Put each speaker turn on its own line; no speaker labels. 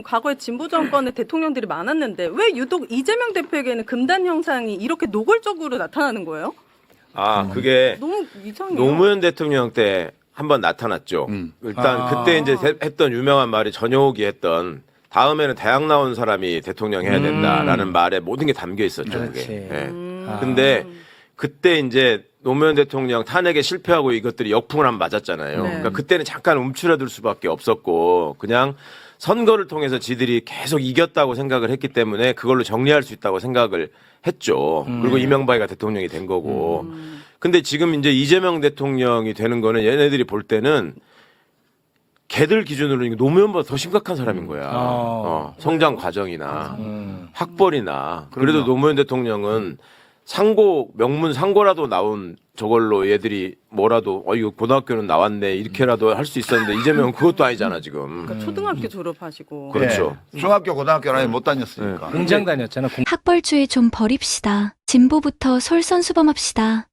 과거에 진보 정권의 대통령들이 많았는데 왜 유독 이재명 대표에게는 금단 현상이 이렇게 노골적으로 나타나는 거예요?
그게
너무 이상해요.
노무현 대통령 때 한번 나타났죠. 일단 그때 이제 했던 유명한 말이 전효욱이 했던 다음에는 대학 나온 사람이 대통령 해야 된다라는 말에 모든 게 담겨 있었죠.
그렇지.
그게. 예. 근데 그때 이제 노무현 대통령 탄핵에 실패하고 이것들이 역풍을 한번 맞았잖아요.
네.
그러니까 그때는 잠깐 움츠러들 수밖에 없었고 그냥 선거를 통해서 지들이 계속 이겼다고 생각을 했기 때문에 그걸로 정리할 수 있다고 생각을 했죠. 그리고 이명박이가 대통령이 된 거고. 근데 지금 이제 이재명 대통령이 되는 거는 얘네들이 볼 때는 걔들 기준으로 노무현보다 더 심각한 사람인 거야. 성장 과정이나 학벌이나. 그래도 노무현 대통령은 상고, 명문 상고라도 나온 저걸로 얘들이 뭐라도, 이거 고등학교는 나왔네, 이렇게라도 할 수 있었는데, 이재명은 그것도 아니잖아, 지금.
그러니까 초등학교 졸업하시고.
그렇죠.
중학교, 고등학교는 못 다녔으니까.
공장 다녔잖아.
학벌주의 좀 버립시다. 진보부터 솔선수범합시다.